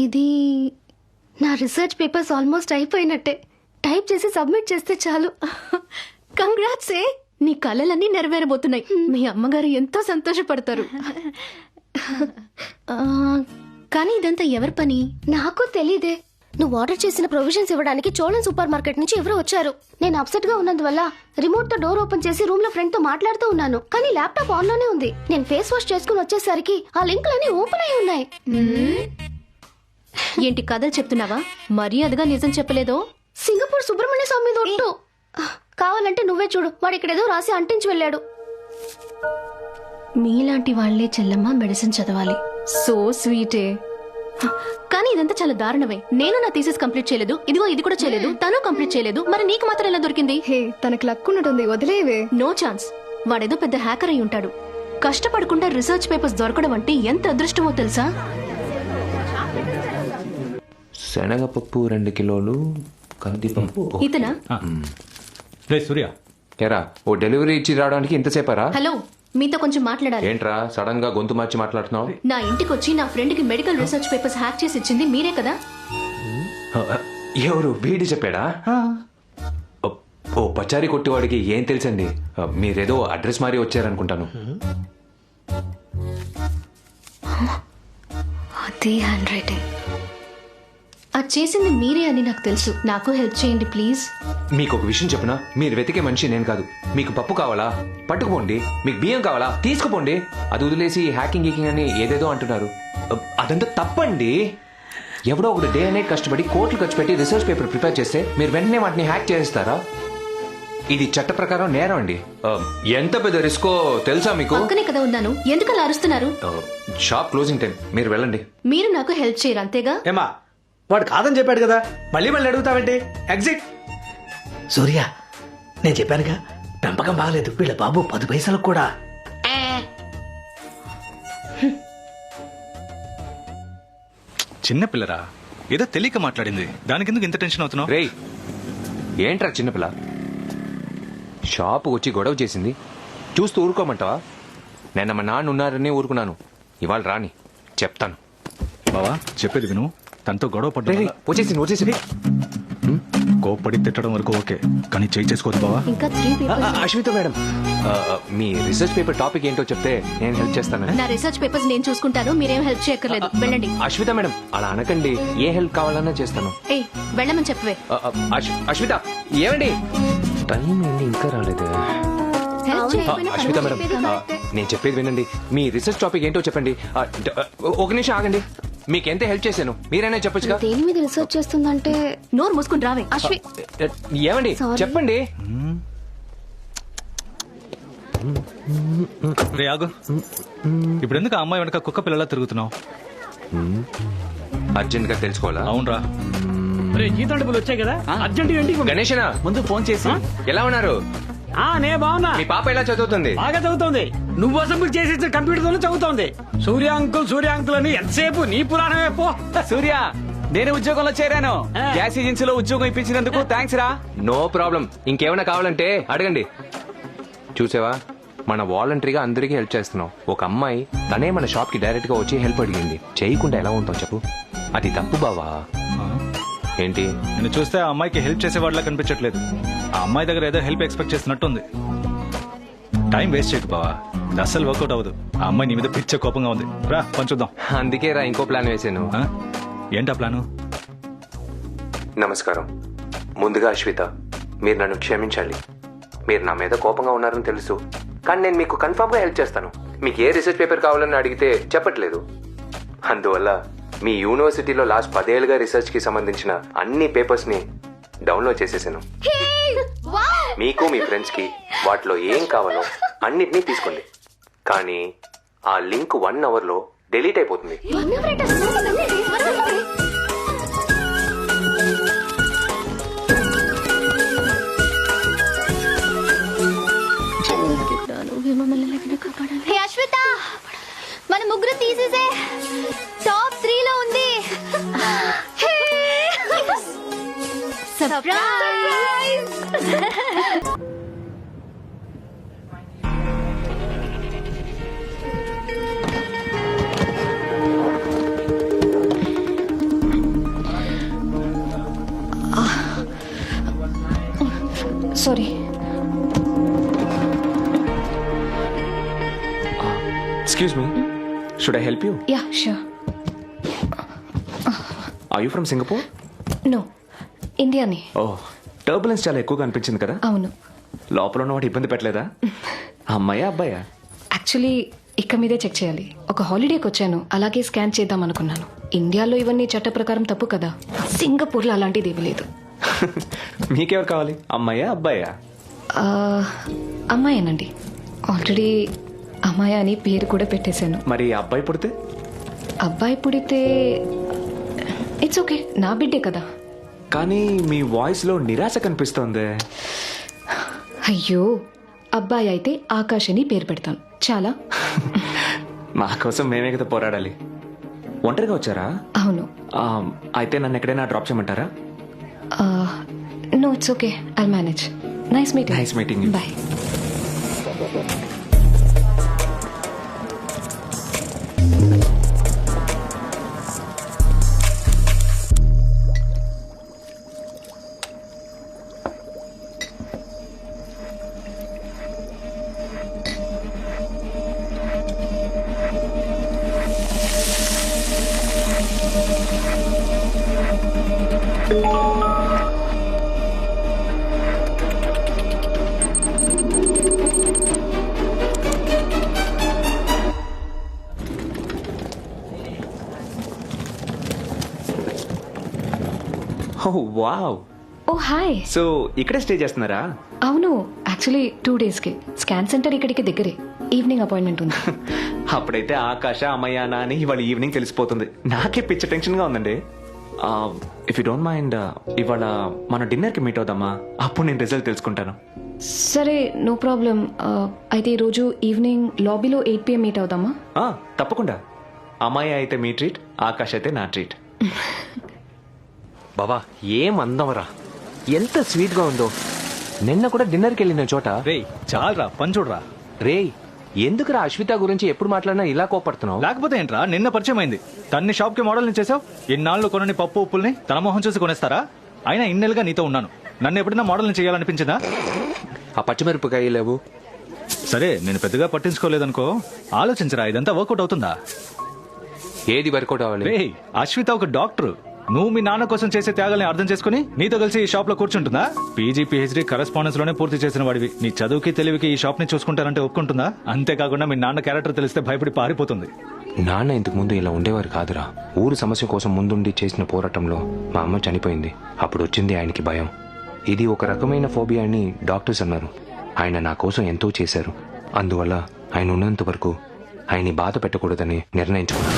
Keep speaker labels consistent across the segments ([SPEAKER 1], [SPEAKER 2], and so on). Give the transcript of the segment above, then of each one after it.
[SPEAKER 1] ఇది నా research papers almost అయిపోయినట్టే. టైప్ చేసి సబ్మిట్ చేస్తే చాలు.
[SPEAKER 2] కంగ్రాట్స్ ఏ, నీ కలలన్నీ నెరవేరబోతున్నాయి. మీ అమ్మగారు ఎంతో సంతోషపడతారు. కానీ ఇదంతా ఎవరి పని?
[SPEAKER 1] నాకు తెలీదే. నువ్వు ఆర్డర్ చేసిన ప్రొవిజన్స్ ఇవ్వడానికి చోళన్ సూపర్ మార్కెట్ నుంచి ఎవరో వచ్చారు. నేను అప్సెట్ గా ఉన్నందువల్ల రిమోట్ తో డోర్ ఓపెన్ చేసి రూమ్ లో ఫ్రెండ్ తో మాట్లాడుతూ ఉన్నాను. కానీ ల్యాప్టాప్ ఆన్ లోనే ఉంది. నేను ఫేస్ వాష్ చేసుకుని వచ్చేసరికి ఆ లింకులన్నీ ఓపెన్ అయి ఉన్నాయి.
[SPEAKER 2] ఏంటి కథలు చెప్తున్నావా? మర్యాదగా నిజం చెప్పలేదో?
[SPEAKER 1] సింగపూర్ సుబ్రహ్మణ్య స్వామి మీద ఒట్టు. కావాలంటే నువ్వే చూడు, వాడు ఇక్కడేదో రాసి అంటించి వెళ్ళాడు.
[SPEAKER 2] మీలాంటి వాళ్లే చెల్లమ్మ మెడిసిన్ చదవాలి. సో స్వీటే. కానీ ఇదంతా చాలా దారుణమే. నేను నా థీసిస్ కంప్లీట్ చేయలేదు, ఇదిగో ఇది కూడా చేయలేదు, తను కంప్లీట్ చేయలేదు. మరి నీకు మాత్రం ఎలా దొరికింది?
[SPEAKER 1] హే, తనకు లక్ ఉన్నట్టుంది, వదిలేవే.
[SPEAKER 2] No chance. వాడేదో పెద్ద హ్యాకర్ అయి ఉంటాడు. కష్టపడకుండా రీసెర్చ్ పేపర్స్ దొరకడం అంటే ఎంత అదృష్టమో తెలుసా?
[SPEAKER 3] శనగపప్పు 2 కిలోలు, కందిపప్పు.
[SPEAKER 2] ఇతనా?
[SPEAKER 4] సూర్య
[SPEAKER 3] ఎరా, ఓ డెలివరీ ఇచ్చి రావడానికి ఇంతసేపరా?
[SPEAKER 2] హలో, మీతో కొంచెం మాట్లాడాలి.
[SPEAKER 3] ఏంట్రా సడన్ గా గొంతు మార్చి మాట్లాడుతున్నావు?
[SPEAKER 2] నా ఇంటికి వచ్చి నా ఫ్రెండ్ కి మెడికల్ రీసెర్చ్ పేపర్స్ హ్యాక్ చేసి ఇచ్చింది మీరే కదా?
[SPEAKER 3] ఎవరు? బీడి చెప్పాడా? ఓ పచారీ కొట్టివాడికి ఏం తెలుసండి. మీరేదో అడ్రస్ మారి వచ్చారనుకుంటాను.
[SPEAKER 1] అదే హ్యాండ్ రైటింగ్.
[SPEAKER 2] అది చేసింది మీరే అని నాకు తెలుసు. నాకు హెల్ప్ చేయండి ప్లీజ్.
[SPEAKER 3] మీకు ఒక విషయం చెప్పనా? మీరు వెతికే మనిషి నేను కాదు. మీకు పప్పు కావాలా? పట్టుకుపోండి. మీకు బియ్యం కావాలా? తీసుకుపోండి. అది వదిలేసి హ్యాకింగ్ గీకింగ్ అని ఏదేదో అంటున్నారు. అదంతా తప్పండి. ఎవడో ఒకటి డే అనే కష్టపడి కోట్లు ఖర్చు పెట్టి రీసెర్చ్ పేపర్ ప్రిపేర్ చేస్తే మీరు వెంటనే వాటిని హ్యాక్ చేస్తారా? ఇది చట్ట ప్రకారం నేరం అండి. ఎంత పెద్ద రిస్కో తెలుసా మీకు?
[SPEAKER 2] పక్కనే కదా ఉన్నాను, ఎందుకు అలా అరుస్తున్నారు?
[SPEAKER 3] షాప్ క్లోజింగ్ టైం, మీరు వెళ్ళండి.
[SPEAKER 2] మీరు నాకు హెల్ప్ చేయరు అంతేగా?
[SPEAKER 5] ఏమా, వాడు కాదని చెప్పాడు కదా, మళ్ళీ మళ్ళీ అడుగుతావేంటి? ఎగ్జిట్. సూర్య, నేను చెప్పానుగా, పెంపకం బాగలేదు. వీళ్ళ బాబు 10 పైసలకు కూడా.
[SPEAKER 4] చిన్నపిల్లరా, ఏదో తెలియక మాట్లాడింది. దానికి ఎందుకు ఇంత టెన్షన్ అవుతున్నావు?
[SPEAKER 3] రేయ్, ఏంట్రా చిన్నపిల్ల? షాపు వచ్చి గొడవ చేసింది చూస్తూ ఊరుకోమంటావా? నేను మా నాన్న ఉన్నారని ఊరుకున్నాను. ఇవాళ రాని చెప్తాను.
[SPEAKER 4] బావా, చెప్పేది విను. తనతో గొడవ పడ్డా
[SPEAKER 3] వచ్చేసి
[SPEAKER 4] కోప్పడి తిట్టడం వరకు ఓకే, కానీ చేయి చేసుకోవద్దు బావా.
[SPEAKER 2] ఇంకా 3 పేపర్స్.
[SPEAKER 3] అశ్విత మేడం, మీ రీసెర్చ్ పేపర్ టాపిక్ ఏంటో చెప్తే నేను హెల్ప్ చేస్తాను.
[SPEAKER 2] నా రీసెర్చ్ పేపర్స్ నేను చూసుకుంటాను, మీరేం హెల్ప్ చేయక్కర్లేదు. వెళ్ళండి.
[SPEAKER 3] అశ్విత మేడం, అలా అనకండి. ఏ హెల్ప్ కావాలన్నా చేస్తాను.
[SPEAKER 2] ఏ, వెళ్ళమని చెప్పవే.
[SPEAKER 3] అశ్విత, ఏమండి? టైం ఏంటి ఇంకా రాలేదు? అశ్విత మేడం, నేను చెప్పేది వినండి. మీ రీసెర్చ్ టాపిక్ ఏంటో చెప్పండి. ఒక నిమిషం ఆగండి. మీకెంత హెల్ప్ చేశాను మీరైనా చెప్పొచ్చుగా.
[SPEAKER 1] దేని మీద రీసెర్చ్ చేస్తుందంటే?
[SPEAKER 2] నోరు మూసుకుని రావే.
[SPEAKER 1] అశ్వి,
[SPEAKER 3] ఏమండి చెప్పండి.
[SPEAKER 4] రే ఆగు. ఇప్పుడు ఎందుకు ఆ అమ్మాయి వెనక కుక్క పిల్లలా తిరుగుతున్నావు?
[SPEAKER 3] అర్జెంట్ గా తెలుసుకోవాలా?
[SPEAKER 4] అవునరా.
[SPEAKER 5] జీతం డబ్బులు వచ్చాయి కదా, అర్జెంట్ ఏంటి?
[SPEAKER 3] గణేషనా,
[SPEAKER 5] ముందు ఫోన్ చేసి
[SPEAKER 3] ఎలా ఉన్నారు?
[SPEAKER 5] నే బాగున్నా.
[SPEAKER 3] మీ పాప ఎలా చదువుతుంది?
[SPEAKER 5] బాగా చదువుతోంది. నువ్వు అసెంబ్లీ చేసి కంప్యూటర్ తోనే చదువుతోంది. సూర్య అంకుల్ అని ఎంతసేపు నీ పురాణమే పో.
[SPEAKER 6] సూర్య, నేను ఉద్యోగంలో చేరాను. గ్యాస్ ఏజెన్సీలో ఉద్యోగం ఇప్పించినందుకు థ్యాంక్స్ రా.
[SPEAKER 3] No problem. ఇంకేమైనా కావాలంటే అడగండి. చూసావా, మన వాలంటరీగా అందరికీ హెల్ప్ చేస్తున్నాం. ఒక అమ్మాయి తనే మన షాప్ కి డైరెక్ట్ గా వచ్చి హెల్ప్ అడిగింది. చేయకుండా ఎలా ఉంటావు చెప్పు? అది తప్పు బావా. ఏంటి?
[SPEAKER 4] నేను చూస్తే ఆ అమ్మాయికి హెల్ప్ చేసేవాళ్ళ కనిపించట్లేదు. ఆ అమ్మాయి దగ్గర ఏదో హెల్ప్ ఎక్స్పెక్ట్ చేస్తున్నట్టుంది. టైం వేస్ట్ చేయకు బావా, ఇది అస్సలు వర్కౌట్ అవ్వదు. ఆ అమ్మాయి నీ మీద పిచ్చ కోపంగా ఉంది. రా పంచుద్దాం.
[SPEAKER 3] అందుకే రా ఇంకో ప్లాన్ వేసాను.
[SPEAKER 4] ఏంటా ప్లాను?
[SPEAKER 3] నమస్కారం. ముందుగా అశ్విత, మీరు నన్ను క్షమించాలి. మీరు నా మీద కోపంగా ఉన్నారని తెలుసు, కానీ నేను మీకు కన్ఫర్మ్ గా హెల్ప్ చేస్తాను. మీకు ఏ రీసెర్చ్ పేపర్ కావాలని అడిగితే చెప్పట్లేదు. అందువల్ల మీ యూనివర్సిటీలో లాస్ట్ 10 ఏళ్ళుగా రీసెర్చ్ కి సంబంధించిన అన్ని పేపర్స్ ని డౌన్లోడ్ చేసేసాను. మీకు మీ ఫ్రెండ్స్ కి వాటిలో ఏం కావాలో అన్నిటినీ తీసుకోండి. కానీ ఆ లింక్ 1 అవర్ లో డిలీట్ అయిపోతుంది.
[SPEAKER 1] అశ్విత, మన ముగ్గురు తీసేసే టాప్ 3 లో ఉంది. Surprise.
[SPEAKER 7] Sorry.
[SPEAKER 3] Excuse me, should I help you?
[SPEAKER 7] Yeah sure.
[SPEAKER 3] Are you from Singapore?
[SPEAKER 7] No, ఇండియాని.
[SPEAKER 3] ఓ, టర్బులెన్స్ చాలా ఎక్కువగా అనిపించింది కదా.
[SPEAKER 7] అవును.
[SPEAKER 3] లోపల ఉన్నవాడు ఇబ్బంది పెట్టలేదా? అమ్మాయా అబ్బాయా?
[SPEAKER 7] యాక్చువల్లీ ఇక్క మీదే చెక్ చేయాలి. ఒక హాలిడేకి వచ్చాను, అలాగే స్కాన్ చేద్దాం అనుకున్నాను. ఇండియాలో ఇవన్నీ చట్ట ప్రకారం తప్పు కదా. సింగపూర్లో అలాంటిది ఏమీ లేదు.
[SPEAKER 3] మీకెవరు కావాలి, అమ్మాయా అబ్బాయా?
[SPEAKER 7] అమ్మాయేనండి. ఆల్రెడీ అమ్మాయి అని పేరు కూడా పెట్టేశాను.
[SPEAKER 3] మరి అబ్బాయి పుడితే?
[SPEAKER 7] అబ్బాయి పుడితే ఇట్స్ ఓకే, నా బిడ్డే కదా.
[SPEAKER 3] కానీ మీ వాయిస్ లో నిరాశ కనిపిస్తోంది.
[SPEAKER 7] అయ్యో, అబ్బాయి అయితే ఆకాష్ అని పేరు పెడతాను చాలా.
[SPEAKER 3] మా కోసం మేమే కదా పోరాడాలి. ఒంటరిగా వచ్చారా?
[SPEAKER 7] అవును.
[SPEAKER 3] అయితే నన్ను ఎక్కడైనా డ్రాప్ చేయమంటారా?
[SPEAKER 7] No, it's okay, I manage. Nice meeting.
[SPEAKER 3] Nice meeting you.
[SPEAKER 7] Bye.
[SPEAKER 3] Oh wow.
[SPEAKER 7] Oh hi.
[SPEAKER 3] So ఇక్కడే స్టే చేస్తున్నారా?
[SPEAKER 7] అవును, యాక్చువల్లీ 2 daysకి. స్కాన్ సెంటర్ ఇక్కడికి దగ్గరే. ఈవినింగ్ అపాయింట్మెంట్ ఉంది.
[SPEAKER 3] అప్పుడైతే ఆకాశ అమ్మయ్యానా అని ఇవాళ ఈవినింగ్ తెలిసిపోతుంది. నాకే పిచ్చ టెన్షన్ గా ఉందండి. ఇఫ్ యూ డోంట్ మైండ్, ఇవాళ మన డిన్నర్ కి మీట్ అవుదామా? అప్పుడు నేను రిజల్ట్ తెలుసుకుంటాను.
[SPEAKER 7] సరే, నో ప్రాబ్లం. అయితే ఈరోజు ఈవినింగ్ లాబీలో 8 PM మీట్ అవుదామా?
[SPEAKER 3] తప్పకుండా. అమ్మాయి అయితే మీ ట్రీట్, ఆకాశ్ అయితే నా ట్రీట్. బాబా, ఏం అందమరా, ఎంత స్వీట్ గా ఉందో. నిన్న కూడా డిన్నర్కి వెళ్ళిన చోట.
[SPEAKER 4] రే చాలరా, పని చూడరా.
[SPEAKER 3] రే, ఎందుకురా అశ్విత గురించి ఎప్పుడు మాట్లాడినా ఇలా కోపడుతున్నావు?
[SPEAKER 4] లేకపోతే ఏంట్రా, నిన్న పరిచయం అయింది. తన్ని షాప్ కి మోడల్ చేసావు. ఇన్నాళ్ళు కొనని పప్పు ఉప్పుల్ని తన మొహం చూసి కొనేస్తారా? అయినా ఇన్నేళ్ళుగా నీతో ఉన్నాను, నన్ను ఎప్పుడైనా మోడల్ని చేయాలనిపించిందా?
[SPEAKER 3] ఆ పచ్చిమిరపకాయ లేవు.
[SPEAKER 4] సరే, నేను పెద్దగా పట్టించుకోలేదనుకో. ఆలోచించరా, ఇదంతా వర్కౌట్ అవుతుందా?
[SPEAKER 3] ఏది వర్కౌట్ అవ్వాలి?
[SPEAKER 4] రే, అశ్విత ఒక డాక్టర్. నువ్వు మీ నాన్న కోసం చేసే త్యాగాల్ని అర్థం చేసుకుని నీతో కలిసి ఈ షాప్ లో కూర్చుంటుందా? పీజీ పిహెచ్డీ కరెస్పాండెన్స్ లోనే పూర్తి చేసిన వాడివి. నీ చదువుకి తెలివికి ఈ షాప్ ని చూసుకుంటానంటే ఒప్పుకుంటుందా? అంతేకాకుండా మీ నాన్న క్యారెక్టర్ తెలిస్తే భయపడి పారిపోతుంది.
[SPEAKER 3] నాన్న ఇంతకు ముందు ఇలా ఉండేవారు కాదురా. ఊరు సమస్య కోసం ముందుండి చేసిన పోరాటంలో మా అమ్మ చనిపోయింది. అప్పుడు వచ్చింది ఆయనకి భయం. ఇది ఒక రకమైన ఫోబియా అని డాక్టర్స్ అన్నారు. ఆయన నా కోసం ఎంతో చేశారు. అందువల్ల ఆయన ఉన్నంత వరకు ఆయన్ని బాధ పెట్టకూడదని నిర్ణయించుకున్నాను.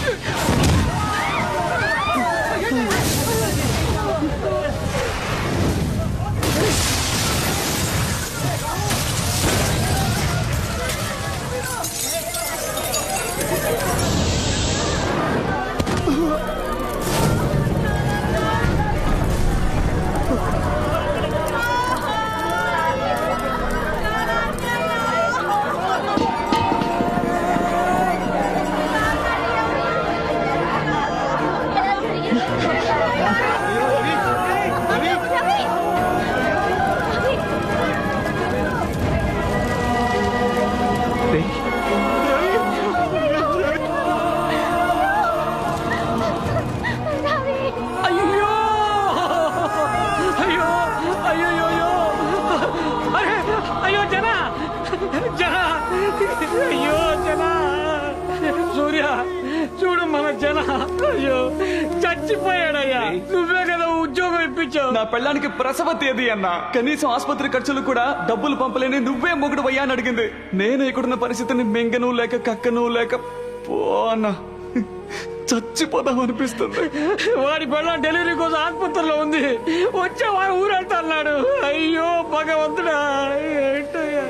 [SPEAKER 5] చూడు మన జన, అయ్యో చచ్చిపోయాడయ్యా. నువ్వే కదా ఉద్యోగం ఇప్పించావు.
[SPEAKER 6] నా పెళ్ళానికి ప్రసవ తేదీ అన్నా, కనీసం ఆసుపత్రి ఖర్చులు కూడా డబ్బులు పంపలేని నువ్వే మొగుడు అయ్యా అని అడిగింది. నేను ఇక్కడున్న పరిస్థితిని మింగను లేక కక్కను లేక పో అన్నా, చచ్చిపోదాం అనిపిస్తుంది.
[SPEAKER 5] వాడి పెళ్ళ డెలివరీ కోసం ఆసుపత్రిలో ఉంది. వచ్చే వాడు ఊరెళ్తా అన్నాడు. అయ్యో భగవంతుడా, ఏంటయ్యా.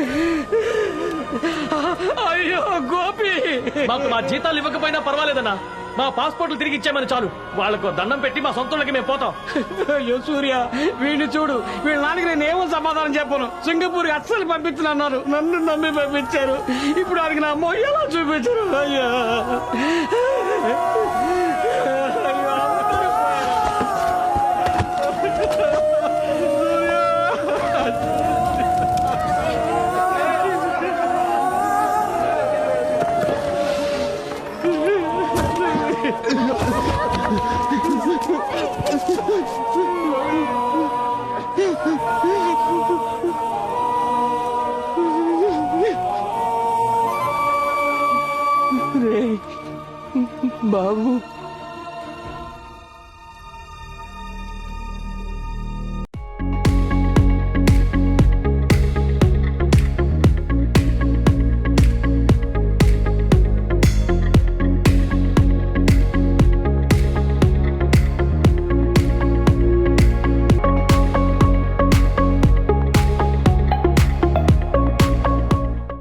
[SPEAKER 5] అయ్యో గోపి,
[SPEAKER 8] మాకు మా జీతాలు ఇవ్వకపోయినా పర్వాలేదన్నా, మా పాస్పోర్ట్లు తిరిగి ఇచ్చామని చాలు. వాళ్ళకు దండం పెట్టి మా సొంతలకి మేము పోతాం.
[SPEAKER 5] అయ్యో సూర్య, వీడిని చూడు. వీళ్ళ నాన్నకి నేను ఏమో సమాధానం చెప్పను. సింగపూర్ అస్సలు పంపించనన్నారు. నన్ను నమ్మి పంపించారు. ఇప్పుడు వాడికి నా అమ్మ ఎలా చూపించారు. అయ్యా